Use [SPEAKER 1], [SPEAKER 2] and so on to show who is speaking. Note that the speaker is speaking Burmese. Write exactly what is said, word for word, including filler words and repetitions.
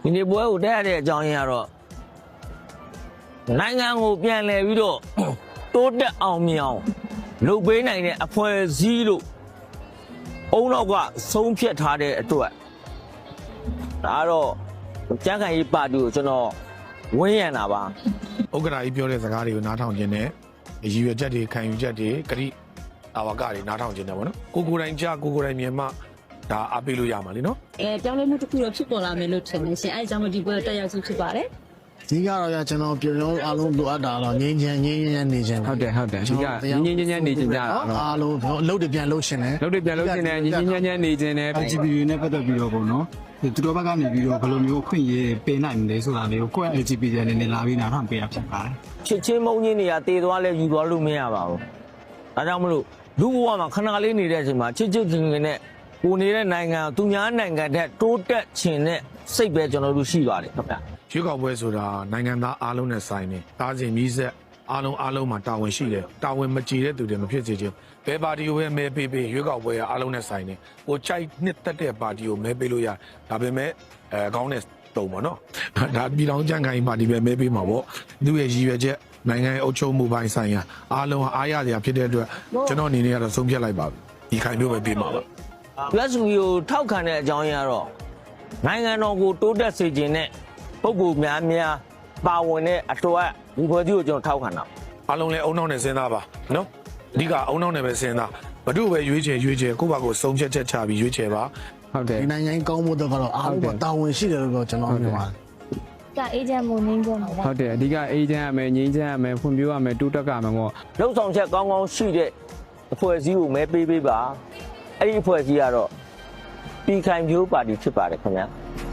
[SPEAKER 1] ဒီနေ့ပွဲကိုတက်ရတဲ့အကြောင်းရင်းကတော့နိုင်ငံကိုပြန်လည်ပြီးတော့တိုးတက်အောင်မြင်အောင်လုပ်ပေးနိုင်တဲ့အဖွဲ့အစည်းလို့အုံနောက်ကဆုံးဖြတ်ထားတဲ့အတွက်ဒါတော့ကြံ့ခိုင်ရေးပါတီကိုကျွန်တော်ဝန်းရံတာပါ
[SPEAKER 2] ဥက္ကဋ္ဌကြီးပြောတဲ့စကားတွေကိုနားထောင်ခြင်းနဲ့ရည်ရွယ်ချက်တွေခံယူချက်တွေဂရိအာဝကတွေနားထောင်ခြင်းနဲ့ပေါ့နော်ကိုကိုယ်တိုင်ကြားကိုကိုယ်တိုင်မြင်မှဒါအားပေးလို့ရမှာလीနော်
[SPEAKER 3] အဲပြောင်းလဲမှုတစ်ခုတော့ဖြစ်ပေါ်လာမယ်လို့ထင်တယ်ရှင်အဲအကြောင်းဒီပွဲတက်ရောက်စုဖြစ်ပါတယ်
[SPEAKER 4] ဒီကတော့ရကျွန်တော်ပြောလုံးအားလုံးလိုအပ်တာတော့ငင်းချင်ငင်းချင်နေချင်
[SPEAKER 5] ဟုတ်တယ်ဟုတ်တယ်ဒီကငင်းငင်းချမ်းနေချင်ကြတာ
[SPEAKER 4] အားလုံးအလုပ်တွေပြန်လုပ်ရှင်တယ်
[SPEAKER 5] လုပ်တွေပြန်လုပ်ရှင်တယ်ငင်းငင်းချမ်းချမ်းနေချင်တယ်
[SPEAKER 6] ဂျီပီယူ နဲ့ပတ်သက်ပြီးတော့ပေါ့နော်သူတို့ဘက်ကနေပြီးတော့ဘယ်လိုမျိုးခွင့်ရပေးနိုင်မလဲဆိုတာလေးကိုကိုယ့် ဂျီပီ အနေနဲ့လာပြီးနားထောင်ပေးရဖြစ်ပါတယ်
[SPEAKER 1] ချစ်ချင်းမုန်းချင်းတွေကတည်သွားလဲယူသွားလို့မရပါဘူးဒါကြောင့်မလို့လူဘဝမှာခဏလေးနေတဲ့အချိန်မှာချစ်ချစ်ခင်ခင်နဲ့ကိုနေတဲ့နိုင်ငံသူများနိုင်ငံတဲ့တိုးတက်ခြင်းနဲ့စိတ်ပဲကျွန်တော်တို့ရှိပါတယ်ခင်ဗျ
[SPEAKER 2] ရွေးကောက်ပွဲဆိုတာနိုင်ငံသားအားလုံးနဲ့ဆိုင်နေတားစဉ်မြည်ဆက်အားလုံးအားလုံးမှာတာဝန်ရှိတယ်တာဝန်မကြည်တဲ့သူတွေမဖြစ်စေချင်ဘယ်ပါတီကိုပဲမဲပေးပေးရွေးကောက်ပွဲကအားလုံးနဲ့ဆိုင်နေကိုကြိုက်နှစ်သက်တဲ့ပါတီကိုမဲပေးလို့ရဒါပေမဲ့အဲကောင်းတဲ့တုံပေါ့နော်ဒါပြည်ထောင်ကြံ့ခိုင်ပါတီပဲမဲပေးမှာပေါ့သူ့ရဲ့ရည်ရွယ်ချက်နိုင်ငံရဲ့အုပ်ချုပ်မှုပိုင်းဆိုင်ရာအားလုံးအားရစရာဖြစ်တဲ့အတွက်ကျွန်တော်အနေနဲ့ကတော့ဆုံးဖြတ်လိုက်ပါပြီဒီခိုင်မျိုးပဲပေးမှာပါ
[SPEAKER 1] plus ကိုထောက်ခံတဲ့အကြောင်းရင်းကတော့နိုင်ငံတော်ကိုတိုးတက်စေခြင်းနဲ့ပုဂ္ဂိုလ်များများပါဝင်တဲ့အတွက်ဒီဖွဲ့စည်းကိုကျွန်တော်ထောက်ခံတာ
[SPEAKER 2] အားလုံးလည်းအုံနောက်နဲ့စဉ်းစားပါနော်အဓိကအုံနောက်နဲ့ပဲစဉ်းစားဘဒုပဲရွေးချယ်ရွေးချယ်ကိုယ့်ဘာကိုစုံဖြတ်ချက်ချပြီးရွေးချယ်ပါ
[SPEAKER 5] ဟုတ်တယ်
[SPEAKER 4] ဒီနိုင်ငံကောင်းဖို့တော့ကတော့အားလုံးတာဝန်ရှိတယ်လို့ကျွန်တော်မြင်ပါတယ်
[SPEAKER 3] ကအေဂျင့်မို့ငင်းကြမှာ
[SPEAKER 5] ဟုတ်တယ်အဓိကအေဂျင့်ရမယ်ငင်းချမ်းရမယ်ဖွံ့ဖြိုးရမယ်တိုးတက်ကမယ်ပေါ့
[SPEAKER 1] လှုပ်ဆောင်ချက်ကောင်းကောင်းရှိတဲ့အဖွဲ့အစည်းကိုမဲပေးပေးပါအဲ့ဒီအဖွဲ့အစည်းကတော့ပြည်ခိုင်ဖြိုးပါတီဖြစ်ပါတယ်ခင်ဗျာ